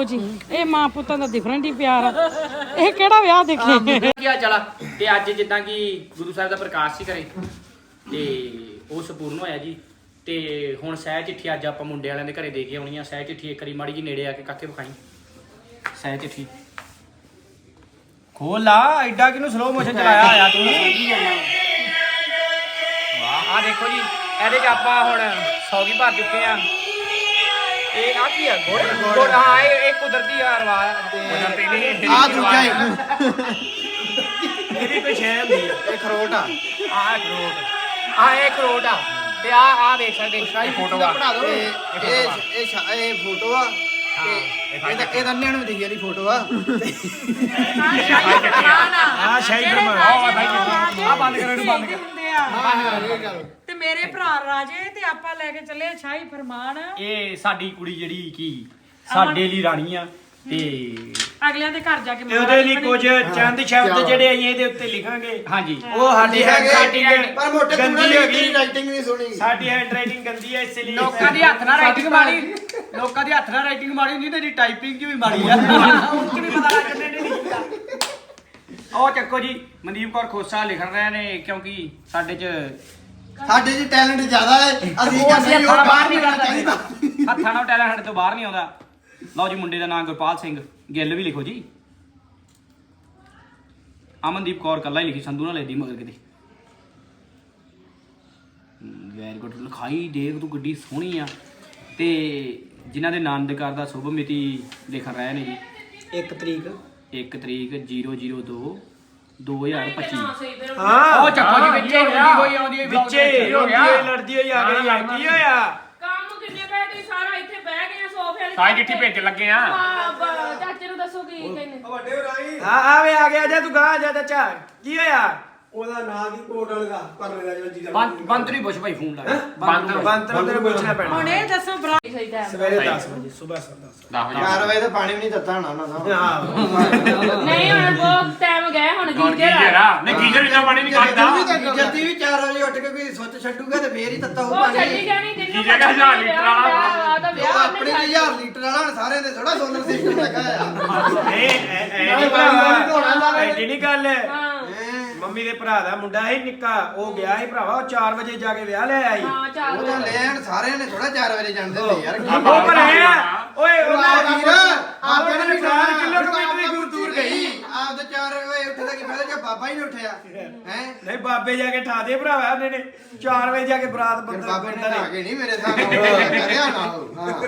ਲਓ ਜੀ ਇਹ ਮਾਂ ਪੁੱਤਾਂ ਦਾ ਡਿਫਰੈਂਟ ਹੀ ਪਿਆਰ ਆ ਇਹ ਕਿਹੜਾ ਵਿਆਹ ਦੇਖੇ ਕੀ ਹਾਲ ਚਾਲ ਆ ਤੇ ਅੱਜ ਜਿੱਦਾਂ ਕਿ ਗੁਰੂ ਸਾਹਿਬ ਦਾ ਪ੍ਰਕਾਸ਼ ਸੀ ਘਰੇ ਤੇ ਉਹ ਸੰਪੂਰਨ ਹੋਇਆ ਜੀ ਤੇ ਹੁਣ ਸਹਿ ਚਿੱਠੀ ਅੱਜ ਆਪਾਂ ਮੁੰਡੇ ਵਾਲਿਆਂ ਦੇ ਘਰੇ ਦੇ ਕੇ ਆਉਣੀ ਆ ਸਹਿ ਚਿੱਠੀ ਇੱਕ ਵਾਰੀ ਮਾੜੀ ਜੀ ਨੇੜੇ ਆ ਕੇ ਕਾਕੇ ਵਿਖਾਈ ਸਹਿ ਚਿੱਠੀ ਖੋਲ ਲਾ ਐਡਾ ਕਿਨੂੰ ਸਲੋ ਮੋਸ਼ਨ ਚਲਾਇਆ ਹੋਇਆ ਤੂੰ ਸਮਝੀ ਜਾਂਦਾ ਵਾਹ ਆ ਦੇਖੋ ਜੀ ਇਹਦੇ 'ਚ ਆਪਾਂ ਹੁਣ 100 ਕੀ ਭਰ ਚੁੱਕੇ ਆ ਇਹ ਆ ਕੀ ਆ ਗੁੜ ਹਾਂ ਇਹ ਕੁਦਰਤੀ ਆ ਰਵਾ ਤੇ ਆ ਦੂਜਾ ਇਹਦੀ ਕੋਈ ਸ਼ੈ ਹੁੰਦੀ ਆ ਇਹ ਖਰੋਟ ਆ ਇਹ ਖਰੋਟ ਆ ਤੇ ਆ ਵੇਖ ਸਕਦੇ ਸ਼ਾਹੀ ਫੋਟੋ ਆ ਬਣਾ ਦੋ ਇਹ ਫੋਟੋ ਆ ਤੇ ਇਹ ਦੰਨਿਆਂ ਨੂੰ ਦਿਖੀ ਇਹਦੀ ਫੋਟੋ ਆ ਆ ਸ਼ਾਹੀ ਫਰਮਾਨ ਆ ਬੰਦ ਕਰੋ ਇਹਨੂੰ ਬੰਦ ਕਰ ਤੇ ਮੇਰੇ ਭਰਾ ਰਾਜੇ ਤੇ ਆਪਾਂ ਲੈ ਕੇ ਚੱਲੇ ਸ਼ਾਹੀ ਫਰਮਾਨ ਇਹ ਸਾਡੀ ਕੁੜੀ ਜਿਹੜੀ ਕੀ ਸਾਡੇ ਲਈ ਰਾਣੀ ਆ ਤੇ ਅਗਲਿਆਂ ਦੇ ਘਰ ਜਾ ਕੇ ਉਹਦੇ ਲਈ ਕੁਝ ਚੰਦ ਸ਼ਬਦ ਜਿਹੜੇ ਅਸੀਂ ਇਹਦੇ ਉੱਤੇ ਲਿਖਾਂਗੇ ਹਾਂਜੀ ਉਹ ਸਾਡੀ ਹੈਂਡਰਾਈਟਿੰਗ ਪਰ ਮੋਟੇ ਗੰਦੀ ਹੋ ਗਈ ਰਾਈਟਿੰਗ ਨਹੀਂ ਸੁਣੀ ਸਾਡੀ ਹੈਂਡਰਾਈਟਿੰਗ ਗੰਦੀ ਹੈ ਇਸ ਲਈ ਲੋਕਾਂ ਦੀ ਹੱਥ ਨਾਲ ਰਾਈਟਿੰਗ ਮਾਰੀ ਲੋਕਾਂ ਦੀ ਹੱਥ ਨਾਲ ਰਾਈਟਿੰਗ ਮਾਰੀ ਹੁੰਦੀ ਤੇਰੀ ਟਾਈਪਿੰਗ ਚ ਵੀ ਮਾਰੀ ਆ ਉਹ ਵੀ ਪਤਾ ਲੱਗ ਜੰਨੇ ਨਹੀਂ ਲਿਖਦਾ ਉਹ ਚੱਕੋ ਜੀ ਮਨਦੀਪ ਕੌਰ ਖੋਸਾ ਲਿਖ ਰਹੇ ਨੇ ਕਿਉਂਕਿ ਸਾਡੇ ਚ ਟੈਲੈਂਟ ਜ਼ਿਆਦਾ ਹੈ ਅਸੀਂ ਕਹਿੰਦੇ ਉਹ ਬਾਹਰ ਨਹੀਂ ਆਉਣਾ ਚਾਹੀਦਾ ਹੱਥਾਂ ਨਾਲ ਟੈਲੈਂਟ ਸਾਡੇ ਤੋਂ ਬਾਹਰ ਨਹੀਂ ਆਉਂਦਾ ਲਓ ਜੀ ਮੁੰਡੇ ਦਾ ਨਾਮ ਗੁਰਪਾਲ ਸਿੰਘ ਗਿੱਲ ਵੀ ਲਿਖੋ ਜੀ ਅਮਨਦੀਪ ਕੌਰ ਕੱਲਾ ਹੀ ਲਿਖੀ ਸੰਧੂ ਨਾਲ ਲੈਦੀ ਮਗਰ ਕਿਤੇ ਵੈਰੀ ਗੁੱਡ ਲਿਖਾਈ ਦੇਖ ਤੂੰ ਗੱਡੀ ਸੋਹਣੀ ਆ ਤੇ ਜਿਨ੍ਹਾਂ ਦੇ ਆਨੰਦ ਘਰ ਦਾ ਸ਼ੁਭ ਮਿਤੀ ਲਿਖ ਰਹੇ ਨੇ ਜੀ 1 ਤਰੀਕ 1 ਤਰੀਕ 002 2025 ਹਾਂ ਉਹ ਚੱਕੋ ਜੀ ਵਿੱਚੇ ਹੋਈ ਆਉਂਦੀ ਵਿੱਚੇ ਹੋ ਗਿਆ ਲੜਦੀ ਹੋਈ ਆ ਗਈ ਕੀ ਹੋਇਆ ਕੰਮ ਕਿੰਨੇ ਪਏ ਤੁਸੀਂ ਸਾਰਾ ਇੱਥੇ ਬਹਿ ਗਏ ਆ ਸੋਫੇ ਵਾਲੀ ਸਾਈ ਚਿੱਠੀ ਭੇਜਣ ਲੱਗੇ ਆ ਚਾਚੇ ਨੂੰ ਦੱਸੋ ਕੀ ਕਹਿੰਦੇ ਆਵੇ ਆ ਗਿਆ ਜਾ ਤੂੰ ਗਾ ਜਾ ਚਾਚਾ ਕੀ ਹੋਇਆ ਉਹਦਾ ਨਾਂ ਕੀ ਕੋਟ ਵਾਲਾ ਕਰਨੇ ਦਾ ਜਿਹੜਾ ਬੰਤਰੀ ਪੁੱਛ ਭਾਈ ਫੋਨ ਲਾ ਬੰਤਰ ਤੇਰੇ ਪੁੱਛਣਾ ਪੈਣਾ ਹੁਣ ਇਹ ਦੱਸੋ ਭਰਾ ਸਹੀ ਟਾਈਮ ਸਵੇਰੇ 10 ਵਜੇ ਸਵੇਰ 10 4 ਵਜੇ ਤਾਂ ਪਾਣੀ ਵੀ ਨਹੀਂ ਦਿੱਤਾ ਹੋਣਾ ਉਹਨਾਂ ਦਾ ਹਾਂ ਨਹੀਂ ਹੁਣ ਬਹੁਤ ਟਾਈਮ ਗਿਆ ਹੁਣ ਗੀਜਰ ਨਹੀਂ ਗੀਜਰ ਇੰਨਾ ਪਾਣੀ ਨਹੀਂ ਕੱਢਦਾ ਜਲਦੀ ਵੀ 4 ਵਜੇ ਉੱਠ ਕੇ ਕੋਈ ਸੁੱਚ ਛੱਡੂਗਾ ਤੇ ਫੇਰ ਹੀ ਦਿੱਤਾ ਉਹ ਉਹ ਪਾਣੀ ਛੱਡੀ ਜਾਣੀ ਜਿੰਨੇ ਗੀਜਰ ਦਾ 1000 ਲੀਟਰ ਵਾਲਾ ਆ ਤਾਂ ਵਿਆਹ ਆਪਣੀ 1000 ਲੀਟਰ ਵਾਲਾ ਹੁਣ ਸਾਰਿਆਂ ਦੇ ਥੋੜਾ ਸੋਲਰ ਸਿਸਟਮ ਲੱਗਾ ਆ ਐਡੀ ਨਹੀਂ ਗੱਲ ਹਾਂ ਮੰਮੀ ਦੇ ਭਰਾ ਦਾ ਮੁੰਡਾ ਸੀ ਨਿੱਕਾ ਉਹ ਗਿਆ ਸੀ ਭਰਾਵਾ ਉਹ 4 ਵਜੇ ਜਾ ਕੇ ਵਿਆਹ ਲੈ ਆਈ ਹਾਂ ਚੱਲ ਉਹ ਤਾਂ ਲੈਣ ਸਾਰਿਆਂ ਨੇ ਥੋੜਾ 4 ਵਜੇ ਜਾਣਦੇ ਨੇ ਯਾਰ ਉਹ ਪਰ ਹੈ ਓਏ ਉਹਨਾਂ ਉਹਨਾਂ ਵੀਰ ਆਪਣੇ ਨੂੰ 4 ਕਿਲੋਮੀਟਰ ਹੀ ਦੂਰ ਗਈ ਆਪਦੇ 4 ਵਜੇ ਉੱਠਦਾ ਕੀ ਫਾਇਦਾ ਜੇ ਬਾਬਾ ਹੀ ਨਹੀਂ ਉੱਠਿਆ ਹੈ ਨਹੀਂ ਬਾਬੇ ਜਾ ਕੇ ਠਾ ਦੇ ਭਰਾਵਾ ਉਹਨੇ ਨੇ 4 ਵਜੇ ਜਾ ਕੇ ਬਰਾਤ ਫਿਰ ਬੰਦਾ ਬਾਬੇ ਨੇ ਆ ਗਏ ਨਹੀਂ ਮੇਰੇ ਸਾਹਮਣੇ ਕਰਿਆ ਨਾ ਹਾਂ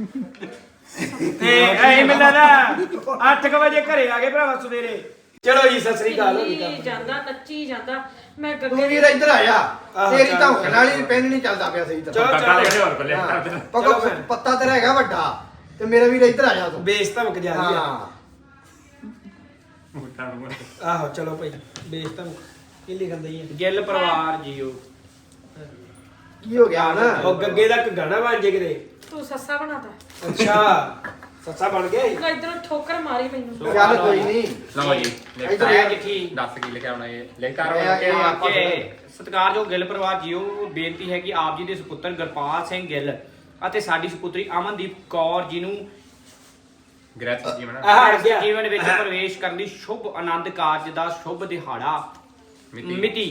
ਤੇ ਐ ਮਿਲਦਾ ਨਾ 8 ਵਜੇ ਘਰੇ ਆ ਗਏ ਭਰਾਵਾ ਸਵੇਰੇ ਚਲੋ ਜੀ ਸਤਿ ਸ੍ਰੀ ਅਕਾਲ ਹੋ ਗਈ ਨੱਚੀ ਜਾਂਦਾ ਨੱਚੀ ਜਾਂਦਾ ਮੈਂ ਤੂੰ ਗੱਗੇ ਵੀਰ ਇੱਧਰ ਆ ਜਾ ਤੇਰੀ ਧੌਣ ਨਾਲ ਹੀ ਪੈਨ ਨਹੀਂ ਚੱਲਦਾ ਪਿਆ ਸਹੀ ਤਰ੍ਹਾਂ ਚਲੋ ਪੱਤਾ ਤੇਰਾ ਹੈਗਾ ਵੱਡਾ ਤੇ ਮੇਰਾ ਵੀਰ ਇੱਧਰ ਆ ਜਾ ਤੂੰ ਬੇਸ ਧਮਕ ਜਾ ਰਹੀ ਆ ਹਾਂ ਆਹੋ ਚਲੋ ਭਾਈ ਬੇਸ ਧਮਕ ਕੀ ਲਿਖਣ ਦਈ ਹੈ ਗਿੱਲ ਪਰਿਵਾਰ ਜੀਓ ਕੀ ਹੋ ਗਿਆ ਨਾ ਉਹ ਗੱਗੇ ਦਾ ਗਾਣਾ ਬਣ ਜੇ ਕਿਤੇ ਤੂੰ ਸੱਸਾ ਬਣਾਤਾ ਅੱਛਾ ਸੱਸਾ ਬਣ ਗਿਆ ਤੂੰ ਇਧਰੋਂ ਠੋਕਰ ਮਾਰੀ ਮੈਨੂੰ ਚੱਲ ਕੋਈ ਨਹੀਂ ਲਓ ਜੀ ਇੱਧਰ ਲਿਖਾਇਆ ਆ। ਚਿੱਠੀ ਦੱਸ ਕੀ ਲਿਖਿਆ ਹੋਣਾ ਇਹ ਲਿਖ ਇਹ ਸਤਿਕਾਰਯੋਗ ਗਿੱਲ ਪਰਿਵਾਰ ਜੀਓ ਬੇਨਤੀ ਹੈ ਕਿ ਆਪ ਜੀ ਦੇ ਸੁਪੁੱਤਰ ਗੁਰਪਾਲ ਸਿੰਘ ਗਿੱਲ ਅਤੇ ਸਾਡੀ ਸੁਪੁੱਤਰੀ ਅਮਨਦੀਪ ਕੌਰ ਜੀ ਨੂੰ ਗ੍ਰਹਿ ਜੀਵਨ ਵਿੱਚ ਪ੍ਰਵੇਸ਼ ਕਰਨ ਦੀ ਸ਼ੁਭ ਆਨੰਦ ਕਾਰਜ ਦਾ ਸ਼ੁਭ ਦਿਹਾੜਾ ਮਿਤੀ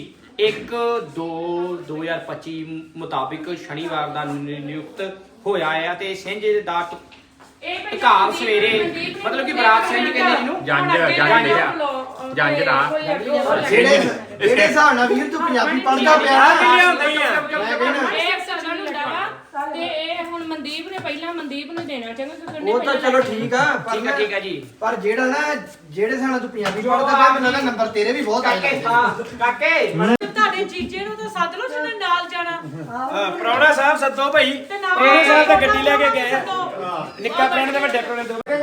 1/2/2025 ਮੁਤਾਬਿਕ ਸ਼ਨੀਵਾਰ ਦਾ ਨਿਯੁਕਤ ਹੋਇਆ ਹੈ ਤੇ ਸਿੰਝ ਦਾ ਘਾਲ ਸਵੇਰੇ ਮਤਲਬ ਕਿ ਬਰਾਤ ਸਿੰਘ ਕਹਿੰਦੇ ਜਿਹਨੂੰ ਜੰਜ ਦਾ ਜਿਹੜੇ ਹਿਸਾਬ ਨਾਲ ਵੀਰ ਤੂੰ ਪੰਜਾਬੀ ਪੜ੍ਹਦਾ ਪਿਆ ਇਹ ਸਗਨ ਹੁੰਦਾ ਵਾ ਤੇ ਇਹ ਹੁਣ ਮਨਦੀਪ ਨੇ ਪਹਿਲਾਂ ਮਨਦੀਪ ਨੂੰ ਦੇਣਾ ਚਾਹੁੰਦਾ ਉਹ ਤਾਂ ਚਲੋ ਠੀਕ ਆ ਠੀਕ ਆ ਜੀ ਪਰ ਜਿਹੜਾ ਨਾ ਜਿਹੜੇ ਹਿਸਾਬ ਨਾਲ ਤੂੰ ਪੰਜਾਬੀ ਪੜ੍ਹਦਾ ਪਿਆ ਮੈਨੂੰ ਲੱਗਦਾ ਨੰਬਰ ਤੇਰੇ ਵੀ ਬਹੁਤ ਆ ਜਾਣਗੇ ਕਾਕੇ ਤੁਹਾਡੇ ਜੀਜੇ ਨੂੰ ਤਾਂ ਸੱਦ ਲਓ ਜਿਹਨੇ ਨਾਲ ਜਾਣਾ ਪ੍ਰਾਹੁਣਾ ਸਾਹਿਬ ਸੱਦੋ ਭਾਈ ਤੇ ਨਾਲ ਪ੍ਰਾਹੁਣਾ ਸਾਹਿਬ ਤਾਂ ਗੱਡੀ ਲੈ ਕੇ ਗਏ ਆ ਸੱਦੋ। ਨਿੱਕਾ ਪ੍ਰਾਹੁਣੇ ਤੇ ਵੱਡੇ ਪ੍ਰਾਹੁਣੇ ਦੋਵੇਂ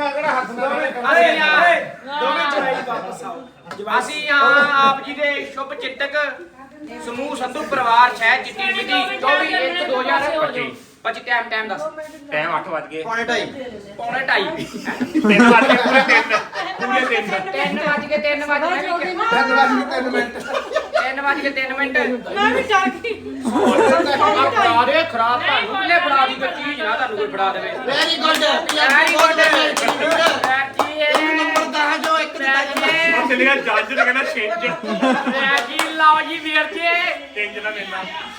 ਦੋਵੇਂ ਚੜਾਈ ਵਾਪਸ ਆਓ ਅਸੀਂ ਆਪ ਜੀ ਦੇ ਸ਼ੁਭ ਚਿੰਤਕ ਸਮੂਹ ਸੰਧੂ ਪਰਿਵਾਰ ਸ਼ਹਿਰ ਚਿੱਟੀ ਮਿਤੀ 24/1/2025 ਟਾਈਮ ਦੱਸ ਟਾਈਮ 8 ਵਜ ਗਏ ਪੌਣੇ ਢਾਈ ਪੌਣੇ 2:30 3 ਵਜ ਗਏ ਪੂਰੇ 3 ਵਜ ਗਏ 3 ਵਜ ਗਏ 3 ਮਿੰਟ 3 ਵਜ ਕੇ 3 ਮਿੰਟ ਮੈਂ ਵੀ ਜਾ ਕੇ ਫੜਾ ਦੇ ਖਰਾਬ ਤੁਹਾਨੂੰ ਕਿੰਨੇ ਫੜਾ ਦੀ ਕੋਈ ਚੀਜ਼ ਨਾ ਤੁਹਾਨੂੰ ਕੋਈ ਫੜਾ ਦੇਵੇ ਵੈਰੀ ਗੁੱਡ Very good. ਚੱਲਿਆ ਜੱਜ ਨੇ ਕਹਿੰਦਾ ਛਿੰਝ ਜੀ ਲਓ ਜੀ ਵੀਰ ਜੀ ਛਿੰਝ ਦਾ ਮੇਲਾ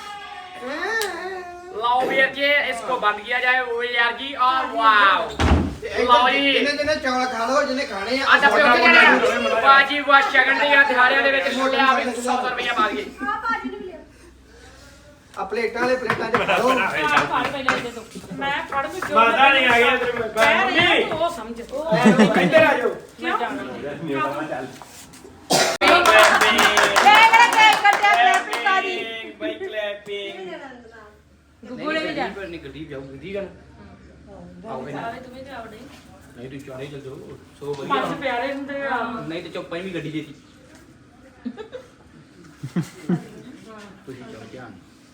लाओ भैया जी इसको बंद किया जाए वो यार जी और वाओ लाओ जी ਜਿਹਨੇ ਚੌਲ ਖਾ ਲਓ ਜਿਹਨੇ ਖਾਣੇ ਆ आ डब्बे होते हैं बाजी वाह शगन दी दिहाड़ियां दे विच छोटे आप 100 रुपया मार गए ਆ ਪਲੇਟਾਂ ਵਾਲੇ ਪਲੇਟਾਂ 'ਚ ਖਾ ਲਓ ਫੜ ਪਹਿਲਾਂ ਦੇ ਦੋ ਮੈਂ ਫੜ ਵੀ ਜੋ ਮਾਤਾ ਨਹੀਂ ਆ ਗਿਆ ਤੇਰੇ ਮੰਮੀ ਉਹ ਸਮਝ ਉਹ ਇੱਧਰ ਆ ਜਾਓ ਮੈਂ ਜਾਣਾ ਬਾਈ ਕਲੈਪਿੰਗ ਗੁੱਗੂ ਨੇ ਵੀ ਜਾ नहीं गड्डी जाऊंगी ठीक है आओगे ना ਆਵੇ ਤੁਮੇ ਜਾਵੜੇ नहीं तो चारे चल जाओ सो ਪੰਜ बढ़िया ਪਿਆਰੇ ਹੁੰਦੇ ਆ नहीं तो चौपाई भी गड्डी देती कुछ जाओ ध्यान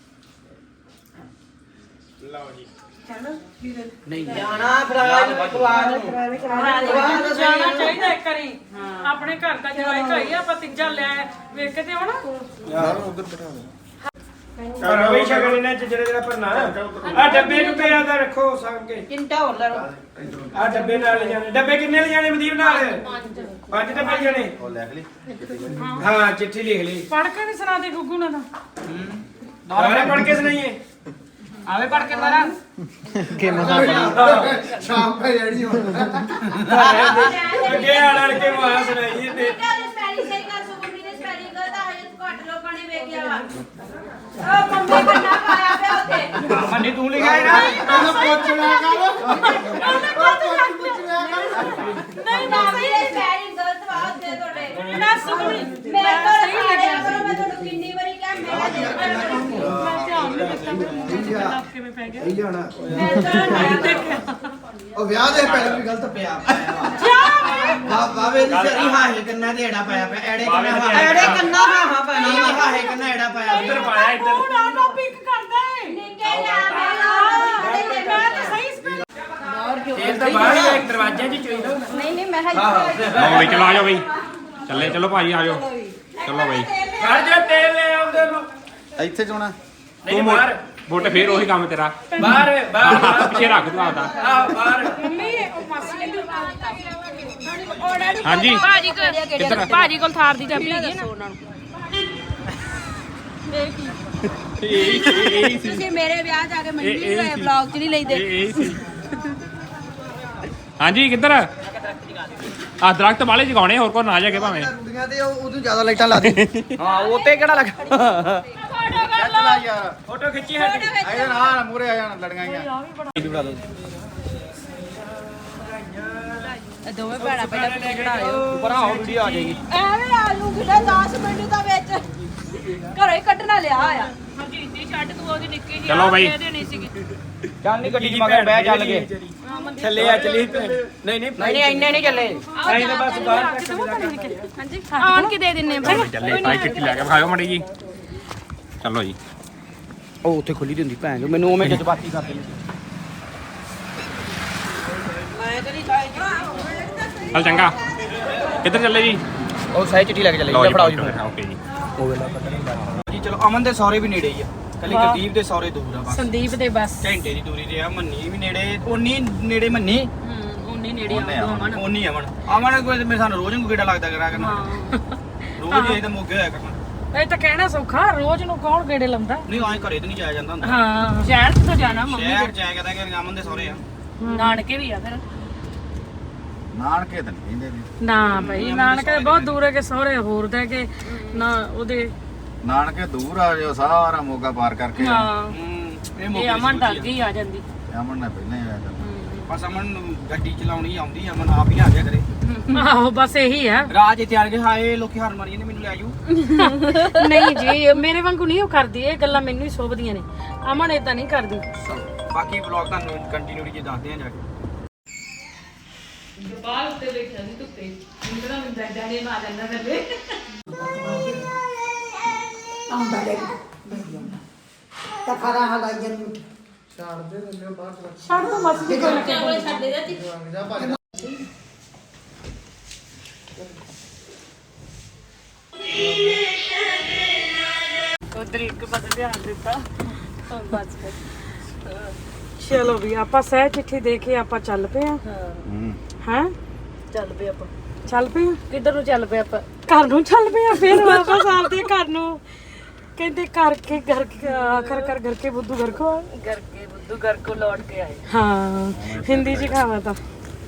ਲਓ ਜੀ नहीं ਜਾਣਾ ਫਰਾਜ ਖਵਾਜ ਜਾਣਾ ਚਾਹੀਦਾ ਇੱਕ ਵਾਰੀ ਆਪਣੇ ਘਰ ਦਾ ਜਵਾਈ ਘਾਈ ਆਪਾਂ ਤੀਜਾ ਲੈ ਵੇਖ ਕੇ ਤੇ ਆਉਣਾ ਕਰੋ ਬਈ ਸ਼ਗਨ ਇਹਨਾਂ ਚ ਜਿਹੜੇ ਭਰਨਾ ਆ ਡੱਬੇ ਨੂੰ ਪਿਆ ਦਾ ਰੱਖੋ ਸੰਗ ਕੇ ਕਿੰਟਾ ਹੋਰ ਲੈ ਲਓ ਆ ਡੱਬੇ ਨਾਲ ਲੈ ਜਾਣੇ ਡੱਬੇ ਕਿੰਨੇ ਲੈ ਜਾਣੇ ਮਦੀਪ ਨਾਲ ਪੰਜ ਡੱਬੇ ਜਾਣੇ ਉਹ ਲਿਖ ਲਈ ਹਾਂ ਚਿੱਠੀ ਲਿਖ ਲਈ ਪੜ ਕੇ ਨਹੀਂ ਸੁਣਾ ਦੇ ਗੁੱਗੂ ਨੇ ਤਾਂ ਦੁਬਾਰਾ ਪੜ ਕੇ ਸੁਣਾਈਏ आवे पढ़ के दोबारा ਸ਼ਾਮ ਪੈ ਜਾਣੀ ਹੁਣ ਅੱਗੇ ਆੜ ਕੇ ਮਾਂ ਸੁਣਾਈਏ ਤੇ ਸਪੈਲਿੰਗ ਸਹੀ ਕਰ ਸੋ ਮੰਮੀ ਨੇ ਸਪੈਲਿੰਗ ਗਲਤ ਆ ਹਜੇ ਘੱਟ ਲੋਕਾਂ ਨੇ ਵੇਖਿਆ ਵਾ ਉਹ ਮੰਮੀ ਕੰਨਾ ਪਾਇਆ ਪਿਆ ਉੱਤੇ मन्नी तू लिखा है ना ਉਹਨੂੰ ਪੁੱਛਣਾ ਕਰ ਨਹੀਂ ਨਾ ਸਹੀ ਸਪੈਲਿੰਗ ਗਲਤ ਵਾ ਉੱਤੇ ਤੁਹਾਡੇ ਨਾ ਸੁਣੀ ਮੈਂ ਤਾਂ ਸਹੀ ਲਿਖਿਆ ਕਰੋ ਮੈਂ ਤੁਹਾਨੂੰ ਕਿੰਨੀ ਵਾਰੀ ਕਿਹਾ ਮੈਂ ਮੈਂ ਧਿਆਨ ਨਹੀਂ ਦਿੱਤਾ ਮੇਰਾ ਕਿਵੇਂ ਪੈ ਗਿਆ ਇਹ ਜਾਣਾ ਮੈਂ ਤਾਂ ਉਹ ਵਿਆਹ ਦੇ ਪਹਿਲੇ ਵੀ ਗਲਤ ਪਿਆ ਬਾਬੇ ਦੀ ਸਰੀ ਹਾਹੇ ਕੰਨਾ ਤੇ ਐੜਾ ਪਾਇਆ ਪਿਆ ਐੜੇ ਕੰਨਾ ਐੜੇ ਕੰਨਾ ਹਾਹਾ ਪਾਣੀ ਨਹੀਂ ਹਾਹੇ ਕੰਨਾ ਐੜਾ ਪਾਇਆ ਇੱਧਰ ਪਾਇਆ ਇੱਧਰ ਤੂੰ ਨਾ ਟੌਪਿਕ ਕਰਦਾ ਏ ਨਿੱਕੇ ਨਾਮ ਮੈਂ ਤਾਂ ਸਹੀ ਸਪੈਲ ਤੇਲ ਤਾਂ ਬਾਹਰ ਹੀ ਇੱਕ ਦਰਵਾਜ਼ੇ 'ਚ ਚੋਈ ਦੋ ਨਹੀਂ ਮੈਂ ਲਓ ਬਈ ਚਲੋ ਆ ਜਾਓ ਬਈ ਚੱਲੇ ਚਲੋ ਭਾਜੀ ਆ ਜਾਓ ਚਲੋ ਬਈ ਘਰ ਜੇ ਤੇਲ ਲੈ ਆਉਂਦੇ ਨੂੰ ਇੱਥੇ ਚੋਣਾ ਨਹੀਂ ਬਾਹਰ ਬੋਟ ਫੇਰ ਉਹੀ ਕੰਮ ਤੇਰਾ ਬਾਹਰ ਬਾਹਰ ਪਿੱਛੇ ਰੱਖ ਤੂੰ ਆਪਦਾ ਆ ਬਾਹਰ ਮੰਮੀ ਉਹ ਮਾਸੀ ਨੇ ਹਾਂਜੀ ਕਿੱਧਰ ਭਾਜੀ ਕੋਲ ਥਾਰ ਦੀ ਚਾਬੀ ਹੈਗੀ ਨਾ ਤੁਸੀਂ ਮੇਰੇ ਵਿਆਹ ਜਾ ਕੇ ਮੰਡੀ ਦੇ ਵਲੌਗ 'ਚ ਨਹੀਂ ਲੈਂਦੇ ਇਹ ਸੀ ਹਾਂਜੀ ਕਿੱਧਰ ਆ ਦਰਖਤ ਵਾਲੇ ਜਗਾਉਣੇ ਹੋਰ ਕੋ ਨਾ ਜਾ ਕੇ ਭਾਵੇਂ ਕੁੜੀਆਂ ਤੇ ਉਦੋਂ ਜ਼ਿਆਦਾ ਲਾਈਟਾਂ ਲਾ ਦੇ हां वो ते केड़ा लगा ਚੱਲਾ ਯਾਰ ਫੋਟੋ ਖਿੱਚੀ ਹਟ ਆਇਆ ਨਾ ਮੂਰੇ ਆ ਜਾਣ ਲੜੀਆਂ ਦੋਵੇਂ ਭੈਣਾਂ ਪਹਿਲਾਂ ਪਿੱਛੇ ਖੜਾਇਓ बनाओ वीडियो आ जाएगी ਐਵੇਂ ਆਲੂ ਕਿਹੜਾ 10 ਮਿੰਟ ਦਾ ਵਿੱਚ ਘਰੋਂ ਹੀ ਕੱਢਣਾ ਲਿਆ ਆ ਹਰਜੀਤ ਛੱਡ ਤੂੰ ਉਹਦੀ ਨਿੱਕੀ ਜੀ ਚਲੋ ਬਾਈ। ਦੇਣੀ ਸੀਗੀ चल नहीं गड्डी मगर बह चल के ਥੱਲੇ ਆ ਚਲੀ ਨਹੀਂ ਨਹੀਂ नहीं इन्ने नहीं चले ਅਸੀਂ ਤਾਂ ਬਸ ਬਾਹਰ ਤੱਕ ਹਾਂਜੀ ਆਣ ਕੇ ਦੇ ਦਿੰਨੇ ਭਾਈ ਚੱਲੇ ਭਾਈ ਚਿੱਠੀ ਲੈ ਕੇ ਖਾਓ ਮੜੀ ਜੀ ਚਲੋ ਜੀ ਉਹ ਉੱਥੇ ਖੁੱਲੀ ਦੀ ਹੁੰਦੀ ਭੈਣ ਜੋ ਮੈਨੂੰ ਉਵੇਂ ਜਜ਼ਬਾਤੀ ਕਰ ਦਿੰਦੀ ਚੱਲ ਚੰਗਾ ਕਿੱਧਰ ਚੱਲੇ ਜੀ ਉਹ ਸਾਈ ਚਿੱਠੀ ਲੈ ਕੇ ਚੱਲੇ ਲਓ ਜੀ ਫੜਾਓ ਜੀ ਓਕੇ ਜੀ ਜੀ ਚਲੋ ਅਮਨ ਦੇ ਸੌਰੇ ਵੀ ਨੇੜੇ ਹੀ ਆ ਕੱਲੀ ਗੁਰਦੀਪ ਦੇ ਸੌਰੇ ਦੂਰ ਆ ਬਸ ਸੰਦੀਪ ਦੇ ਬਸ ਘੰਟੇ ਦੀ ਦੂਰੀ ਤੇ ਆ ਮੰਨੀ ਵੀ ਨੇੜੇ ਉਨੀ ਨੇੜੇ ਮੰਨੀ ਉਹਨੇ ਨੇੜੇ ਆਉਣ ਉਨੀ ਅਮਨ ਕੋਈ ਮੇਰੇ ਸਾਨੂੰ ਰੋਜ਼ ਨੂੰ ਗੇੜਾ ਲੱਗਦਾ ਕਰਾ ਕਰਨਾ ਰੋਜ਼ ਹੀ ਇਹ ਤਾਂ ਮੋਗੇ ਹੋਇਆ ਕਰਨਾ ਇਹ ਤਾਂ ਕਹਿਣਾ ਸੌਖਾ ਰੋਜ਼ ਨੂੰ ਕੌਣ ਗੇੜੇ ਲਾਉਂਦਾ ਨਹੀਂ ਆਏ ਘਰੇ ਤੇ ਨਹੀਂ ਜਾਇਆ ਜਾਂਦਾ ਹੁੰਦਾ ਹਾਂ ਸ਼ਹਿਰ ਤੋਂ ਜਾਣਾ ਮੰਮੀ ਸ਼ਹਿਰ ਚ ਆਇਆ ਕਹਿੰਦਾ ਕਿ ਅਮਨ ਦੇ ਸੌਰੇ ਆ ਨਾਨਕੇ ਵੀ ਆ ਫਿਰ ਨਾਨਕੇ ਤਾਂ ਨਹੀਂ ਕਹਿੰਦੇ ਵੀ ਨਾ ਭਾਈ ਨਾਨਕੇ ਬਹੁਤ ਦੂਰ ਹੈ ਕਿ ਸਹੁਰੇ ਹੋਰ ਦਾ ਕਿ ਨਾ ਉਹਦੇ ਨਾਨਕੇ ਦੂਰ ਆ ਜਾਓ ਸਾਰਾ ਮੋਗਾ ਪਾਰ ਕਰਕੇ ਹਾਂ ਇਹ ਇਹ ਮੋਗੇ ਅਮਨ ਤਾਂ ਅੱਗੇ ਹੀ ਆ ਜਾਂਦੀ ਅਮਨ ਨੇ ਪਹਿਲਾਂ ਹੀ ਆਇਆ ਕਰਨਾ ਬਸ ਅਮਨ ਨੂੰ ਗੱਡੀ ਚਲਾਉਣੀ ਆਉਂਦੀ ਅਮਨ ਆਪ ਹੀ ਆ ਜਾ ਕਰੇ ਆਹੋ ਬਸ ਇਹੀ ਆ ਰਾਜ ਇੱਥੇ ਆ ਕੇ ਹਾਏ ਲੋਕੀ ਹਾਰ ਮਾਰੀ ਜਾਂਦੇ ਮੈਨੂੰ ਲੈ ਜਾਊ ਨਹੀਂ ਜੀ ਮੇਰੇ ਵਾਂਗੂ ਨਹੀਂ ਉਹ ਕਰਦੀ ਇਹ ਗੱਲਾਂ ਮੈਨੂੰ ਹੀ ਸੋਭਦੀਆਂ ਨੇ ਅਮਨ ਏਦਾਂ ਨਹੀਂ ਕਰਦੀ ਬਾਕੀ ਵਲੌਗ ਤੁਹਾਨੂੰ ਕੰਟੀਨਿਊਟੀ ਜੇ ਦੱਸਦੇ ਆ ਜਾ ਕੇ ਬਾਹਰ ਉੱਤੇ ਬੈਠਾ ਸੀ ਧੁੱਪੇ ਮੁੰਡਾ ਮੈਨੂੰ ਡਾਡੇ ਮਾਰ ਜਾਂਦਾ ਥੱਲੇ ਛੱਡ ਦੋ ਮਾਸੀ ਜੀ ਕੋਲ ਛੱਡ ਦੇ ਦਿੱਤੀ ਉਧਰ ਇੱਕ ਪਾਸੇ ਧਿਆਨ ਦਿੱਤਾ ਬਸ ਚਲੋ ਵੀ ਆਪਾਂ ਸਹਿ ਚਿੱਠੀ ਦੇ ਕੇ ਆਪਾਂ ਚੱਲ ਪਏ ਆ ਹਾਂ ਚੱਲ ਪਏ ਆਪਾਂ ਚੱਲ ਪਏ ਆ ਕਿੱਧਰ ਨੂੰ ਚੱਲ ਪਏ ਆਪਾਂ ਘਰ ਨੂੰ ਚੱਲ ਪਿਆ ਫਿਰ ਵਾਪਸ ਆਪਦੇ ਘਰ ਨੂੰ ਕਹਿੰਦੇ ਕਰਕੇ ਘਰ ਆਖਰ ਘਰ ਕੇ ਬੁੱਧੂ ਘਰ ਕੋ ਲੌਟ ਕੇ ਆਏ। हाँ हिंदी जी कहावत था।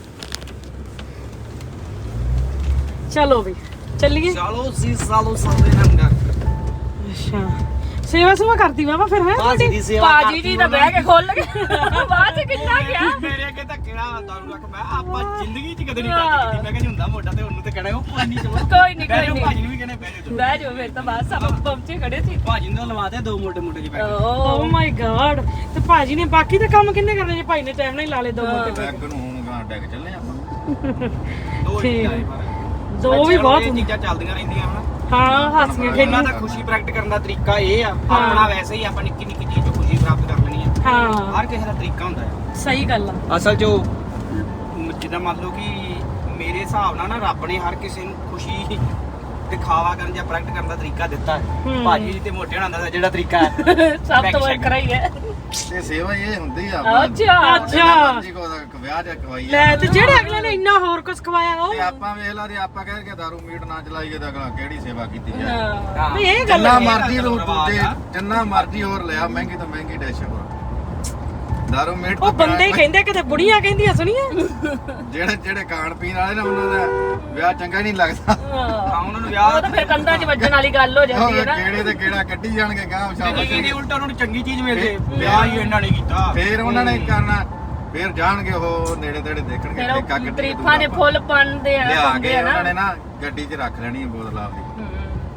चलो भी चलिए। ਚਲੋ ਜੀ ਸਾਲੋ ਸਾਲੇ ਨੰਗਾ अच्छा सेवा सुवा करती बाबा फिर है ਬਾਜੀ ਦੀ ਸੇਵਾ ਭਾਜੀ ਜੀ ਤਾਂ ਬਹਿ ਕੇ ਖੋਲ ਕੇ ਬਾਅਦ ਚ ਕਿੰਨਾ ਗਿਆ ਮੇਰੇ ਅੱਗੇ ਤਾਂ ਕਿਹੜਾ ਤੁਹਾਨੂੰ ਰੱਖ ਮੈਂ ਆਪਾਂ ਜ਼ਿੰਦਗੀ 'ਚ ਕਦੇ ਨਹੀਂ ਟੱਚ ਕੀਤੀ ਮੈਂ ਕਹਿੰਦਾ ਹੁੰਦਾ ਮੋਟਾ ਤੇ ਉਹਨੂੰ ਤੇ ਕਹਿਣਾ ਉਹ ਕੋਈ ਨਹੀਂ ਚਲੋ ਕੋਈ ਨਹੀਂ ਭਾਜੀ ਕੋਈ ਨੂੰ ਨਹੀਂ ਵੀ ਕਹਿੰਦੇ ਬਹਿ ਜਾਓ ਬਹਿ ਜਾਓ ਫਿਰ ਤਾਂ ਬਸ ਆਪਾਂ ਪਹੁੰਚੇ ਖੜੇ ਸੀ। ਭਾਜੀ ਨੂੰ ਲਵਾਤੇ ਦੋ ਮੋਟੇ ਜਿਹੇ ਬੈਠ ओह माय गॉड ਤੇ ਭਾਜੀ ਨੇ ਬਾਕੀ ਦਾ ਕੰਮ ਕਿੰਨੇ ਕਰਨੇ ਜੇ ਭਾਈ ਨੇ ਟਾਈਮ ਨਾਲ ਹੀ ਲਾ ਲੇ ਦੋ ਮੋਟੇ ਬੈਗ ਨੂੰ ਹੁਣ ਗਾਂ ਡੈਕ ਚੱਲੇ ਆਪਾਂ ਦੋ ਠੀਕ। ਹੀ ਪਰ ਦੋ ਵੀ ਬਹੁਤ ਇਹ ਹੁੰਦੇ ਚੀਜ਼ਾਂ ਚੱਲਦੀਆਂ ਰਹਿੰਦੀਆਂ ਹਨ ਹਾਂ ਹਾਸੀਆਂ ਇਹਨਾਂ ਖੇਡੀਆਂ ਦਾ ਖੁਸ਼ੀ ਪ੍ਰਗਟ ਕਰਨ ਦਾ ਤਰੀਕਾ ਇਹ ਆ ਆਪਣਾ ਵੈਸੇ ਹੀ ਆਪਾਂ ਨਿੱਕੀ ਨਿੱਕੀ ਚੀਜ਼ ਤੋਂ ਖੁਸ਼ੀ ਪ੍ਰਾਪਤ ਕਰ ਲੈਣੀ ਆ ਹਾਂ ਹਰ ਕਿਸੇ ਦਾ ਤਰੀਕਾ ਹੁੰਦਾ ਹੈ ਸਹੀ ਗੱਲ ਆ ਅਸਲ 'ਚ ਜਿੱਦਾਂ ਮੰਨ ਲਓ ਕਿ ਮੇਰੇ ਹਿਸਾਬ ਨਾਲ ਨਾ ਰੱਬ ਨੇ ਹਰ ਕਿਸੇ ਨੂੰ ਖੁਸ਼ੀ ਦਿਖਾਵਾ ਕਰਨ ਜਾਂ ਪ੍ਰਗਟ ਕਰਨ ਦਾ ਤਰੀਕਾ ਦਿੱਤਾ ਹੈ ਭਾਜੀ ਜੀ ਤੇ ਮੋਟੇ ਹੋਣਾ ਦਾ ਜਿਹੜਾ ਤਰੀਕਾ ਹੈ ਸਭ ਤੋਂ ਵੱਖਰਾ ਹੀ ਹੈ। ਤੇ ਸੇਵਾ ਇਹ ਹੁੰਦੀ ਆ ਅੱਛਾ ਅੱਛਾ ਜੀ ਕੋ ਵਿਆਹ ਜਾਂ ਕਵਾਈ ਲੈ ਤੇ ਜਿਹੜੇ ਅਗਲੇ ਨੇ ਇੰਨਾ ਹੋਰ ਕੁਝ ਖਵਾਇਆ ਉਹ ਤੇ ਆਪਾਂ ਵੇਖ ਲਾ ਜੇ ਆਪਾਂ ਕਹਿ ਕੇ ਦਾਰੂ ਮੀਟ ਨਾ ਚਲਾਈਏ ਤਾਂ ਅਗਲਾ ਕਿਹੜੀ ਸੇਵਾ ਕੀਤੀ ਜਾਏ ਹਾਂ। ਵੀ ਇਹ ਗੱਲ ਜਿੰਨਾ ਹੈ। ਮਰਜ਼ੀ ਨੂੰ ਦੂਜੇ ਜਿੰਨਾ ਮਰਜ਼ੀ ਹੋਰ ਲਿਆ ਮਹਿੰਗੀ ਤੋਂ ਮਹਿੰਗੀ ਡਿਸ਼ ਹੋਰ ਦਾਰੂ ਮੀਟ ਉਹ ਬੰਦੇ ਹੀ ਕਹਿੰਦੇ ਕਿਤੇ ਬੁੜੀਆਂ ਕਹਿੰਦੀਆਂ ਸੁਣੀਆਂ ਜਿਹੜੇ ਖਾਣ ਪੀਣ ਵਾਲੇ ਨਾ ਉਹਨਾਂ ਦਾ ਵਿਆਹ ਚੰਗਾ ਹੀ ਨਹੀਂ ਲੱਗਦਾ ਹਾਂ ਉਹਨਾਂ ਨੂੰ ਉਹ ਵਿਆਹ ਤਾਂ ਫਿਰ ਕੰਧਾਂ 'ਚ ਵੱਜਣ ਵਾਲੀ ਗੱਲ ਹੋ ਜਾਂਦੀ ਹੈ ਨਾ। ਕਿਹੜੇ ਤੇ ਕਿਹੜਾ ਕੱਢੀ ਜਾਣਗੇ ਗਾਂ ਚੰਗੀ ਚੀਜ਼ ਦੀ ਉਲਟਾ ਉਹਨਾਂ ਨੂੰ ਚੰਗੀ ਚੀਜ਼ ਮਿਲ ਜੇ ਵਿਆਹ ਹੀ ਇਹਨਾਂ ਨੇ ਕੀਤਾ ਫੇਰ ਉਹਨਾਂ ਨੇ ਕਰਨਾ ਫੇਰ ਜਾਣਗੇ ਉਹ ਨੇੜੇ ਤੇੜੇ ਦੇਖਣਗੇ ਫਿਰ ਠੇਕਾ ਉਹ ਗੱਡੀ ਤਰੀਫਾਂ ਦੇ ਫੁੱਲ ਪਾਉਂਦੇ ਆ ਲਿਆ ਪਾਉਂਦੇ ਕੇ ਆ ਉਹਨਾਂ ਨਾ। ਨੇ ਨਾ ਗੱਡੀ 'ਚ ਰੱਖ ਲੈਣੀ ਹੈ ਬੋਤਲ ਆਪਦੀ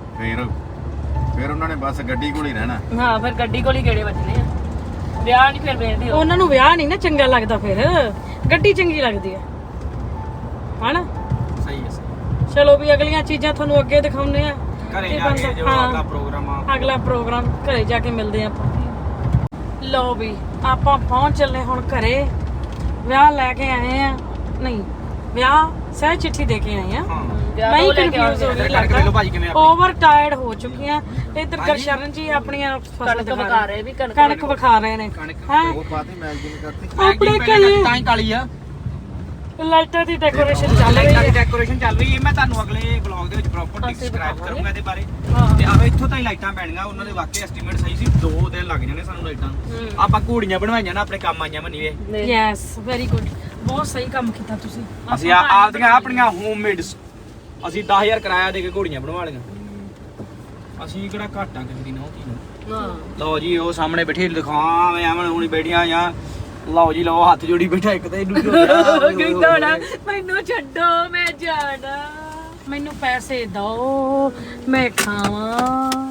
ਫੇਰ ਉਹਨਾਂ ਨੇ ਬਸ ਗੱਡੀ ਕੋਲ ਹੀ ਰਹਿਣਾ ਹਾਂ ਫਿਰ ਗੱਡੀ ਕੋਲ ਹੀ ਗੇੜੇ ਵੱਜਣੇ ਆ ਵਿਆਹ ਨਹੀਂ ਫਿਰ ਵੇਖਦੇ ਉਹ। ਉਹਨਾਂ ਨੂੰ ਵਿਆਹ ਨਹੀਂ ਨਾ ਚੰਗਾ ਲੱਗਦਾ ਫਿਰ ਗੱਡੀ ਚੰਗੀ ਲੱਗਦੀ ਹੈ ਹਨਾ। ਸਹੀ ਹੈ ਚਲੋ ਵੀ ਅਗਲੀਆਂ ਚੀਜ਼ਾਂ ਤੁਹਾਨੂੰ ਅੱਗੇ ਦਿਖਾਉਂਦੇ ਆ ਘਰੇ ਤੇ ਜਾ ਕੇ ਬੰਦਾ- ਜੋ ਹਾਂ। ਅਗਲਾ ਪ੍ਰੋਗਰਾਮ ਆ ਅਗਲਾ ਪ੍ਰੋਗਰਾਮ ਘਰੇ ਜਾ ਕੇ ਮਿਲਦੇ ਆ ਆਪਾਂ। ਲਓ ਵੀ ਆਪਾਂ ਪਹੁੰਚ ਚੱਲੇ ਹੁਣ ਘਰੇ ਵਿਆਹ ਲੈ ਕੇ ਆਏ ਆ ਨਹੀਂ ਵਿਆਹ ਸਹਿ ਚਿੱਠੀ ਦੇ ਕੇ ਆਏ ਆ ਹਾਂ ਵਿਆਹ ਮੈਂ ਤੋਂ ਲੈ ਕੇ ਕਨਫਿਊਜ਼ ਹੋ ਆਉਂਦੇ ਗਈ ਕਰਕੇ ਵੇਖ ਲਓ ਭਾਜੀ ਕਿਵੇਂ ਆਪਣੀ। ਓਵਰ ਟਾਇਰਡ ਹੋ ਚੁੱਕੀਆਂ ਤੇ ਇੱਧਰ ਗਰਸ਼ਰਨ ਜੀ ਆਪਣੀਆਂ ਫਸਲ ਕਣਕ ਵਿਖਾ ਰਹੇ ਵੀ ਕਣਕ ਵਿਖਾ ਰਹੇ ਨੇ ਹੈ ਉਹ ਪਾਤੀ ਮੈਗਜ਼ੀਨ ਕਰਤੀ ਆਪਣੇ ਪਹਿਲੇ ਘਰੇ ਤਾਂ ਹੀ ਕਾਲੀ ਆ ਲਾਈਟਾਂ ਦੀ ਡੈਕੋਰੇਸ਼ਨ ਚੱਲ ਰਹੀ ਹੈ ਡੈਕੋਰੇਸ਼ਨ ਚੱਲ ਰਹੀ ਹੈ ਮੈਂ ਤੁਹਾਨੂੰ ਅਗਲੇ ਵਲੌਗ ਦੇ ਵਿੱਚ ਪ੍ਰੋਪਰ ਡਿਸਕ੍ਰਾਈਬ ਕਰੂੰਗਾ ਇਹਦੇ ਬਾਰੇ ਤੇ ਆਵੇ ਇੱਥੋਂ ਤਾਂ ਹੀ ਲਾਈਟਾਂ ਪੈਣੀਆਂ ਉਹਨਾਂ ਦੇ ਵਾਕਈ ਐਸਟੀਮੇਟ ਸਹੀ ਸੀ 2 ਦਿਨ ਲੱਗ ਜਾਣੇ ਸਾਨੂੰ ਲਾਈਟਾਂ ਨੂੰ ਆਪਾਂ ਘੋੜੀਆਂ ਬਣਵਾਈਆਂ ਨਾ ਆਪਣੇ ਕੰਮ ਆਈਆਂ ਮੰਨੀ ਵੇ ਯੈਸ ਵੈਰੀ ਗੁੱਡ ਬਹੁਤ ਸਹੀ ਕੰਮ ਕੀਤਾ ਤੁਸੀਂ ਅਸੀਂ ਆਪਦੀਆਂ ਆਪਣੀਆਂ ਹੋਮਮੇਡ ਅਸੀਂ 10000 ਕਿਰਾਇਆ ਦੇ ਕੇ ਘੋੜੀਆਂ ਬਣਵਾ ਲਈਆਂ ਅਸੀਂ ਕਿਹੜਾ ਘਾਟਾਂ ਕਿਸੇ ਦੀ ਨਹੁੰ ਧੀ ਨੂੰ ਹਾਂ ਲਓ ਜੀ ਉਹ ਸਾਹਮਣੇ ਬੈਠੇ ਦਿਖਾਵਾਂ ਮੈਂ ਆਵਣ ਹੁਣੀ ਬੈਠੀਆਂ ਜਾਂ ਲਓ ਜੀ ਲਓ ਹੱਥ ਜੋੜੀ ਬੈਠਾ ਇੱਕ ਤੇ ਇਹਨੂੰ ਕਹਿੰਦਾ ਹੋਣਾ ਮੈਨੂੰ ਛੱਡੋ ਮੈਂ ਜਾਣਾ। ਮੈਨੂੰ ਪੈਸੇ ਦਿਓ ਮੈਂ ਖਾਵਾਂ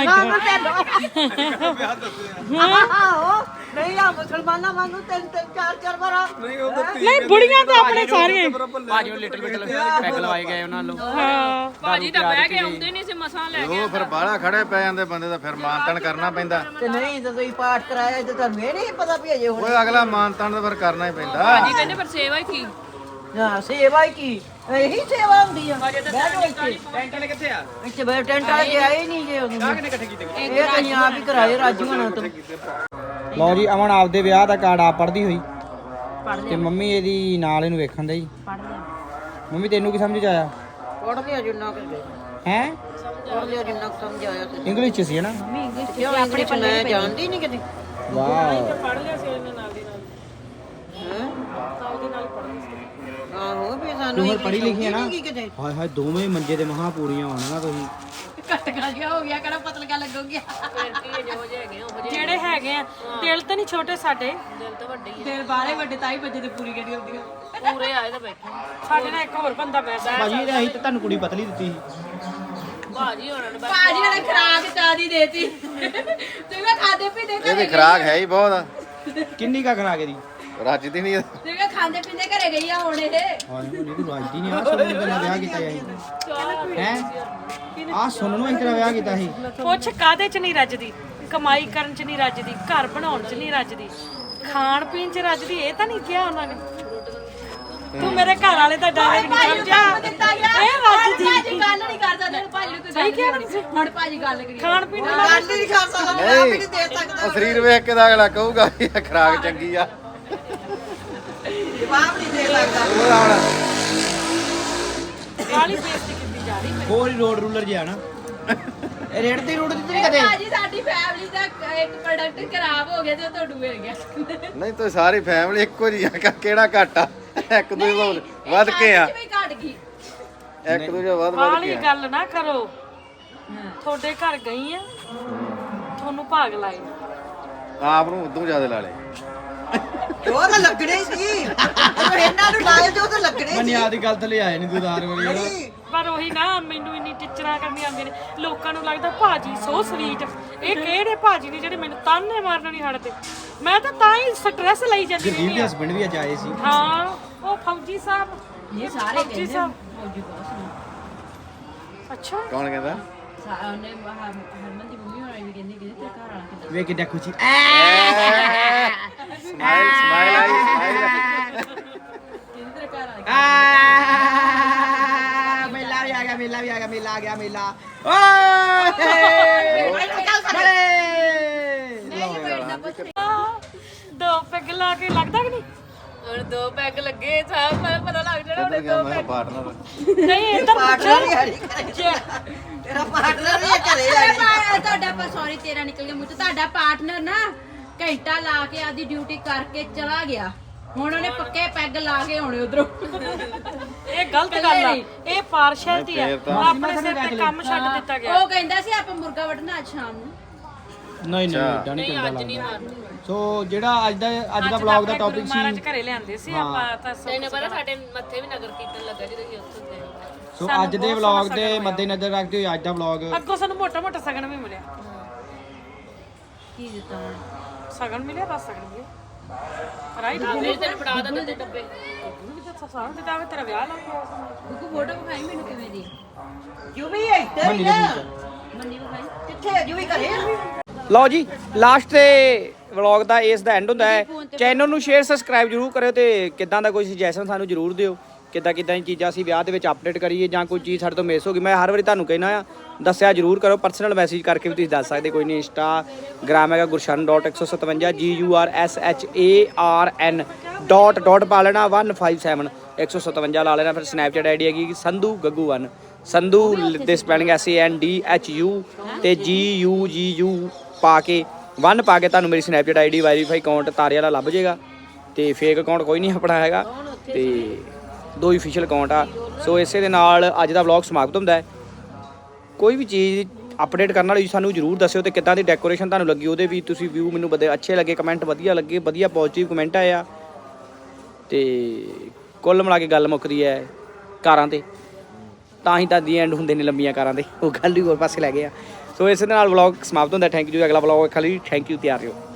ਨਹੀਂ ਆ ਮੁਸਲਮਾਨਾਂ ਵਾਂਗੂ ਤਿੰਨ ਚਾਰ ਵਾਰ ਨਹੀਂ ਬੁੜੀਆਂ ਤਾਂ ਆਪਣੇ ਸਾਰੀਆਂ ਭਾਜੀ ਉਹ ਲਿਟਲ ਬਿਟ ਪੈਗ ਲਵਾਏ ਗਏ ਉਹਨਾਂ ਨੂੰ ਹਾਂ ਭਾਜੀ ਤਾਂ ਬਹਿ ਕੇ ਆਉਂਦੇ ਨਹੀਂ ਸੀ ਮਸਾਂ ਲੈ ਕੇ ਉਹ ਫਿਰ ਬਾਹਲਾ ਖੜੇ ਪੈ ਜਾਂਦੇ ਬੰਦੇ ਦਾ ਫਿਰ ਮਾਨਤਨ ਕਰਨਾ ਪੈਂਦਾ ਤੇ ਨਹੀਂ ਜਦੋਂ ਤੁਸੀਂ ਪਾਠ ਕਰਾਇਆ ਤੇ ਤੁਹਾਨੂੰ ਇਹ ਨਹੀਂ ਪਤਾ ਵੀ ਅਜੇ ਹੁਣ ਓਏ ਅਗਲਾ ਮਾਨਤਨ ਤਾਂ ਫਿਰ ਕਰਨਾ ਹੀ ਪੈਂਦਾ ਭਾਜੀ ਕਹਿੰਦੇ ਪਰ ਸੇਵਾ ਹੀ ਕੀ ਹਾਂ ਸੇਵਾ ਹੀ ਕੀ ਇਹੀ ਸੇਵਾ ਹੁੰਦੀ ਆ ਬਹਿ ਜਾਓ ਇੱਥੇ ਟੈਂਟ ਵਾਲੇ ਕਿੱਥੇ ਆ ਇੱਥੇ ਬੈ ਟੈਂਟ ਵਾਲੇ ਤੇ ਆਏ ਨਹੀਂ ਜੇ ਉਦੋਂ ਕਿਹਨੇ ਇਕੱਠੇ ਕੀਤੇ ਇਹ ਤਾਂ ਆਪ ਹੀ ਕਰਾਏ ਰਾਜੂ ਹੋਣਾ ਤੋਂ ਲਓ ਜੀ ਅਮਨ ਆਪਦੇ ਵਿਆਹ ਦਾ ਕਾਰਡ ਆਪ ਪੜ੍ਹਦੀ ਹੋਈ ਤੇ ਮੰਮੀ ਇਹਦੀ ਨਾਲ ਇਹਨੂੰ ਵੇਖਣ ਦੇ ਜੀ ਮੰਮੀ ਤੈਨੂੰ ਕੀ ਸਮਝ ਆਇਆ ਪੜ ਲਿਆ ਜਿੰਨਾ ਕੁ ਹੈ ਪੜ ਲਿਆ ਜਿੰਨਾ ਕੁ ਸਮਝ ਆਇਆ ਤੇ ਇੰਗਲਿਸ਼ ਚ ਸੀ ਨਾ ਕਿਉਂ ਆਪਣੇ ਮੈਂ ਜਾਣਦੀ ਨਹੀਂ ਕਦੇ ਵਾਓ ਪੜ ਲਿਆ ਸੀ ਇਹਨੇ ਨਾਲ ਦੀ ਨਾਲ ਹੈ ਨਾਲ ਦੀ ਨਾਲ ਪੜ੍ਹਨੀ ਸੀ ਆਹੋ ਵੀ ਸਾਨੂੰ ਤੂੰ ਹੋਰ ਪੜ੍ਹੀ ਲਿਖੀ ਹੈ ਨਾ ਕੀ ਕਿਤੇ ਹਾਏ ਹਾਏ ਦੋਵੇਂ ਮੰਜੇ ਤੇ ਮਹਾ ਪੂਰੀਆਂ ਹੋਣਗੀਆਂ ਤੁਸੀਂ ਕਟਕਾ ਜਿਹਾ ਹੋ ਗਿਆ ਕਿਹੜਾ ਪਤਲਕਾ ਲੱਗੋਗਿਆ ਜਿਹੜੇ ਹੈਗੇ ਆ ਦਿਲ ਤਾਂ ਨਹੀਂ ਛੋਟੇ ਸਾਡੇ ਦਿਲ ਤਾਂ ਵੱਡੇ ਹੀ ਦਿਲ ਬਾਰੇ ਵੱਡੇ ਤਾਂ ਹੀ ਬੱਜੇ ਤੇ ਪੂਰੀ ਕਰੀ ਹੁੰਦੀਆਂ ਆ ਪੂਰੇ ਆਏ ਤਾਂ ਬੈਠੇ ਸਾਡੇ ਨਾਲ ਇੱਕ ਹੋਰ ਬੰਦਾ ਬੈਠਾ ਭਾਜੀ ਇਹ ਅਸੀਂ ਤਾਂ ਤੁਹਾਨੂੰ ਕੁੜੀ ਪਤਲੀ ਦਿੱਤੀ ਸੀ ਭਾਜੀ ਹੋਣਾ ਨੇ ਬਸ ਭਾਜੀ ਨੇ ਖਰਾਕ ਚਾਦੀ ਦੇਤੀ ਤੂੰ ਵੀ ਖਾਦੇ ਪੀਂਦੇ ਇਹਦੀ ਖਰਾਕ ਹੈ ਹੀ ਬਹੁਤ ਕਿੰਨੀ ਕਾ ਖਰਾ ਕੇ ਦੀ ਰੱਜਦੀ ਨਹੀਂ ਤੂੰ ਵੀ ਖਾਂਦੇ ਪੀਂਦੇ ਘਰੇ ਗਈ ਆ ਹੁਣ ਇਹ ਹਾਏ ਨਹੀਂ ਤੂੰ ਰਾਜਦੀ ਨਹੀਂ ਆ ਸੋਨੂੰ ਤੇਰਾ ਵਿਆਹ ਕੀਤਾ ਸੀ ਹੈ ਆ ਸੋਨੂੰ ਨੂੰ ਤੇਰਾ ਵਿਆਹ ਕੀਤਾ ਸੀ ਪੁੱਛ ਕਾਦੇ ਚ ਨਹੀਂ ਰੱਜਦੀ ਕਮਾਈ ਕਰਨ ਚ ਨਹੀਂ ਰੱਜਦੀ ਘਰ ਬਣਾਉਣ ਚ ਨਹੀਂ ਰੱਜਦੀ ਖਾਣ ਪੀਣ ਚ ਰੱਜਦੀ ਇਹ ਤਾਂ ਨਹੀਂ ਕਿਹਾ ਉਹਨਾਂ ਨੇ ਤੂੰ ਮੇਰੇ ਘਰ ਵਾਲੇ ਦਾ ਡਾਇਰੈਕਟ ਨਹੀਂ ਸਮਝਿਆ ਇਹ ਰੱਜਦੀ ਭਾਜੀ ਗੱਲ ਨਹੀਂ ਕਰਦਾ ਤੇ ਭਾਜੀ ਨੂੰ ਕੋਈ ਸਹੀ ਕਿਹਾ ਨਾ ਤੁਸੀਂ ਹੁਣ ਭਾਜੀ ਗੱਲ ਕਰੀ ਖਾਣ ਪੀਣ ਨਾਲ ਗੱਲ ਨਹੀਂ ਕਰ ਸਕਦਾ ਮੈਂ ਆਪ ਹੀ ਨਹੀਂ ਦੇ ਸਕਦਾ ਉਹ ਸਰੀਰ ਵੇਖ ਕੇ ਤਾਂ ਅਗਲਾ ਕਹੂਗਾ ਵੀ ਇਹ ਖਰਾਕ ਚੰਗੀ ਆ ਜਵਾਬ ਨਹੀਂ ਦੇ ਸਕਦਾ ਉਹ ਹੁਣ ਵਾਲੀ ਬੇਇੱਜ਼ਤੀ ਕੀਤੀ ਯਾਰ ਹੀ ਹੋਰ ਹੀ ਰੋਡ ਰੂਲਰ ਜਿਹਾ ਨਾ ਇਹ ਰੇਡ ਦੀ ਰੂਟ ਦਿੱਤੀ ਨਹੀਂ ਕਦੇ ਭਾਜੀ ਸਾਡੀ ਫੈਮਿਲੀ ਦਾ ਇੱਕ ਪ੍ਰੋਡਕਟ ਖਰਾਬ ਹੋ ਗਿਆ ਤੇ ਉਹ ਤੁਹਾਨੂੰ ਮਿਲ ਗਿਆ ਨਹੀਂ ਤਾਂ ਸਾਰੀ ਫੈਮਿਲੀ ਇੱਕੋ ਜਿਹੀ ਆ ਕਿਹੜਾ ਘੱਟ ਆ ਇੱਕ ਦੂਜੇ ਤੋਂ ਵੱਧ ਕੇ ਆ ਵੀ ਘਟ ਗਈ ਇੱਕ ਦੂਜੇ ਵੱਧ ਵਾਲੀ ਕੇ ਆ ਗੱਲ ਨਾ ਕਰੋ ਤੁਹਾਡੇ ਘਰ ਗਈ ਆ ਤੁਹਾਨੂੰ ਭਾਗ ਲਾਏ ਆਪ ਨੂੰ ਉਦੋਂ ਜ਼ਿਆਦਾ ਲਾ ਲਏ ਉਹ ਤਾਂ ਲੱਗਣੇ ਸੀ ਜਦੋਂ ਇਹਨਾਂ ਨੂੰ ਲਾਏ ਤੇ ਉਹ ਤਾਂ ਲੱਗਣੇ ਸੀ ਮਨਿਆ ਦੀ ਗੱਲ ਤੇ ਲੈ ਆਏ ਨਹੀਂ ਦੁਦਾਰ ਵਾਲੀ ਨਹੀਂ ਪਰ ਉਹੀ ਨਾ ਮੈਨੂੰ ਇੰਨੀ ਟਿੱਚਰਾਂ ਕਰਨੀਆਂ ਆਉਂਦੀਆਂ ਨੇ ਲੋਕਾਂ ਨੂੰ ਲੱਗਦਾ ਭਾਜੀ ਸੋ ਸਵੀਟ ਇਹ ਕਿਹੜੇ ਭਾਜੀ ਨੇ ਜਿਹੜੇ ਮੈਨੂੰ ਤਾਨੇ ਮਾਰਨ ਨਹੀਂ ਹਟਦੇ ਮੈਂ ਤਾਂ ਹੀ ਸਟ੍ਰੈਸ ਲਈ ਜਾਂਦੀ ਗੁਰਦੀਪ ਰਹਿੰਦੀ ਦੇ ਹਾਂ। ਹਸਬੰਡ ਵੀ ਅੱਜ ਆਏ ਸੀ ਹਾਂ ਉਹ ਫੌਜੀ ਸਾਹਿਬ ਇਹ ਸਾਰੇ ਫੌਜੀ ਕਹਿੰਦੇ ਸਾਹਿਬ ਮੌਜੂ ਬਹੁਤ ਸੋਹਣਾ ਅੱਛਾ ਕੌਣ ਕਹਿੰਦਾ ਉਹਨੇ ਹਰਮਨ ਦੀ ਮੰਮੀ ਹੋਣੀ ਵੀ ਕਹਿੰਦੀ ਕਿ ਤੇਰਾ ਘਰ ਵਾਲਾ ਕਿੱਦਾਂ ਵੇ ਕਿੱਡਾ ਖੁਸ਼ੀ ਸਮਾਈਲ ਸਮਾਈਲ ਆਈ ਸਮਾਈਲ ਕਹਿੰਦੀ ਤੇਰਾ ਘਰ ਵਾਲਾ ਮੇਲਾ ਵੀ ਆ ਗਿਆ ਮੇਲਾ ਵੀ ਆ ਗਿਆ ਮੇਲਾ ਆ ਗਿਆ ਮੇਲਾ ਓਏ ਨਹੀਂ ਬੈਠਦਾ ਪੁੱਛ ਦੋ ਪੈਗ ਲਾ ਕੇ ਲੱਗਦਾ ਕਿ ਨਹੀਂ ਹੁਣ 2 ਪੈਗ ਲੱਗੇ ਸਾਹ ਪਤਾ ਲੱਗ ਜਾਣਾ ਕਿੱਧਰ ਗਿਆ ਮੈਂ ਪਾਰਟਨਰ ਨਹੀਂ ਇੱਧਰ ਪਾਰਟਨਰ ਹੀ ਪੁੱਛੋ ਆੜੀ ਤੇਰਾ ਪਾਰਟਨਰ ਵੀ ਘਰੇ ਆੜੀ ਤੁਹਾਡਾ ਸੌਰੀ ਤੇਰਾ ਨਿਕਲ ਗਿਆ ਮੂੰਹ ਤੋਂ ਤੁਹਾਡਾ ਪਾਰਟਨਰ ਨਾ ਘੰਟਾ ਲਾ ਕੇ ਆਦੀ ਡਿਊਟੀ ਕਰਕੇ ਚਲਾ ਗਿਆ ਹੁਣ ਉਹਨੇ ਪੱਕੇ ਪੈਗ ਲਾ ਕੇ ਆਉਣੇ ਉਧਰੋਂ ਇਹ ਗਲਤ ਗੱਲ ਆ ਇਹ ਪਾਰਸ਼ੈਲਿਟੀ ਆ ਆਪਣੇ ਸਿਰ ਤੇ ਕੰਮ ਛੱਡ ਦਿੱਤਾ ਗਿਆ ਉਹ ਕਹਿੰਦਾ ਸੀ ਆਪਾਂ ਮੁਰਗਾ ਵੱਢਣਾ ਅੱਜ ਸ਼ਾਮ ਨੂੰ ਨਹੀਂ ਨਹੀਂ ਏਦਾਂ ਨਹੀਂ ਚੰਗਾ ਲੱਗਦਾ ਸੋ ਜਿਹੜਾ ਅੱਜ ਦਾ ਵਲੌਗ ਦਾ ਟੌਪਿਕ ਮਹਾਰਾਜ ਸੀ ਘਰੇ ਲਿਆਂਦੇ ਸੀ ਆਪਾਂ ਤਾਂ ਤੈਨੂੰ ਪਤਾ ਸਾਡੇ ਮੱਥੇ ਵੀ ਨਗਰ ਕੀਰਤਨ ਲੱਗਾ ਜਦੋਂ ਅਸੀਂ ਉੱਥੇ ਗਏ ਸੋ ਅੱਜ ਦੇ ਵਲੌਗ ਦੇ ਮੱਦੇਨਜ਼ਰ ਰੱਖਦੇ ਹੋਏ ਅੱਜ ਦਾ ਵਲੌਗ ਅੱਗੋਂ ਸਾਨੂੰ ਮੋਟਾ ਮੋਟਾ ਸਗਨ ਵੀ ਮਿਲਿਆ ਕੀ ਦਿੱਤਾ ਸਗਨ ਮਿਲਿਆ ਬਸ ਸਗਨ ਮਿਲਿਆ ਰਾਈਟ ਮੇਰੇ ਤੈਨੂੰ ਫੜਾ ਦਿੰਦੇ ਡੱਬੇ ਸਾਰਾ ਦਿੱਤਾ ਹੋਇਆ, ਤੇਰਾ ਵਿਆਹ ਲੱਗ ਗਿਆ ਬੁੱਕੂ ਫੋਟੋ ਵਿਖਾਈ ਮੈਨੂੰ ਕਿਵੇਂ ਦੀ ਯੂ ਵੀ ਇੱਧਰ ਹੀ ਆ ਮੰਨੀ ਵਿਖਾਈ ਕਿੱਥੇ ਯੂ ਵੀ ਘਰੇ ਆ ਲਓ ਜੀ ਲਾਸਟ ਤੇ ਵਲੌਗ ਦਾ ਇਸ ਦਾ ਐਂਡ ਹੁੰਦਾ ਹੈ ਚੈਨਲ ਨੂੰ ਸ਼ੇਅਰ ਸਬਸਕ੍ਰਾਈਬ ਜਰੂਰ ਕਰਿਓ ਤੇ ਕਿੱਦਾਂ ਦਾ ਕੋਈ ਸੁਜੈਸ਼ਨ ਸਾਨੂੰ ਜਰੂਰ ਦਿਓ ਕਿੱਦਾਂ ਦੀ ਚੀਜ਼ਾਂ ਅਸੀਂ ਵਿਆਹ ਦੇ ਵਿੱਚ ਅਪਡੇਟ ਕਰੀਏ ਜਾਂ ਕੋਈ ਚੀਜ਼ ਸਾਡੇ ਤੋਂ ਮਿਸ ਹੋ ਗਈ ਮੈਂ ਹਰ ਵਾਰੀ ਤੁਹਾਨੂੰ ਕਹਿਣਾ ਆ ਦੱਸਿਆ ਜਰੂਰ ਕਰੋ ਪਰਸਨਲ ਮੈਸੇਜ ਕਰਕੇ ਵੀ ਤੁਸੀਂ ਦੱਸ ਸਕਦੇ ਕੋਈ ਨਹੀਂ ਇੰਸਟਾਗ੍ਰਾਮ ਹੈਗਾ gurshan.157 GURSHARN ਪਾ ਲੈਣਾ 157 157 ਲਾ ਲੈਣਾ ਫਿਰ ਸਨੈਪਚੈਟ ਆਈਡੀ ਹੈਗੀ ਸੰਧੂ ਗੱਗੂ 1 ਸੰਧੂ ਦੇ ਸਪੈਲਿੰਗ SANDHU ਤੇ GUGU ਪਾ ਕੇ 1 ਪਾ ਕੇ ਤੁਹਾਨੂੰ ਮੇਰੀ ਸਨੈਪਚੈਟ ਆਈਡੀ ਵੈਰੀਫਾਈ ਅਕਾਊਂਟ ਤਾਰੇ ਵਾਲਾ ਲੱਭ ਜਾਏਗਾ ਤੇ ਫੇਕ ਅਕਾਊਂਟ ਕੋਈ ਨਹੀਂ ਆਪਣਾ ਹੈਗਾ ਤੇ 2 ਅਫੀਸ਼ੀਅਲ ਅਕਾਊਂਟ ਆ ਸੋ ਇਸੇ ਦੇ ਨਾਲ ਅੱਜ ਦਾ ਵਲੌਗ ਸਮਾਪਤ ਹੁੰਦਾ ਹੈ ਕੋਈ ਵੀ ਚੀਜ਼ ਅਪਡੇਟ ਕਰਨ ਵਾਲੀ ਸਾਨੂੰ ਜਰੂਰ ਦੱਸਿਓ ਤੇ ਕਿੱਦਾਂ ਦੀ ਡੈਕੋਰੇਸ਼ਨ ਤੁਹਾਨੂੰ ਲੱਗੀ ਉਹਦੇ ਵੀ ਤੁਸੀਂ ਵਿਊ ਮੈਨੂੰ ਬੜੇ ਅੱਛੇ ਲੱਗੇ ਕਮੈਂਟ ਵਧੀਆ ਲੱਗੇ ਵਧੀਆ ਪੋਜ਼ਿਟਿਵ ਕਮੈਂਟ ਆਇਆ ਤੇ ਕੁੱਲ ਮਿਲਾ ਕੇ ਗੱਲ ਮੁੱਕਦੀ ਹੈ ਕਾਰਾਂ ਤੇ ਤਾਂ ਹੀ ਤਾਂ ਦੀ ਐਂਡ ਹੁੰਦੇ ਨੇ ਲੰਬੀਆਂ ਕਾਰਾਂ ਦੇ ਉਹ ਗੱਲ ਹੀ ਹੋਰ ਪਾਸੇ ਲੈ ਗਏ ਆ ਸੋ ਇਸੇ ਦੇ ਨਾਲ ਵਲੌਗ ਸਮਾਪਤ ਹੁੰਦਾ ਥੈਂਕ ਯੂ ਅਗਲਾ ਵਲੌਗ ਖਾਲੀ ਥੈਂਕ ਯੂ ਤਿਆਰ ਰਹੋ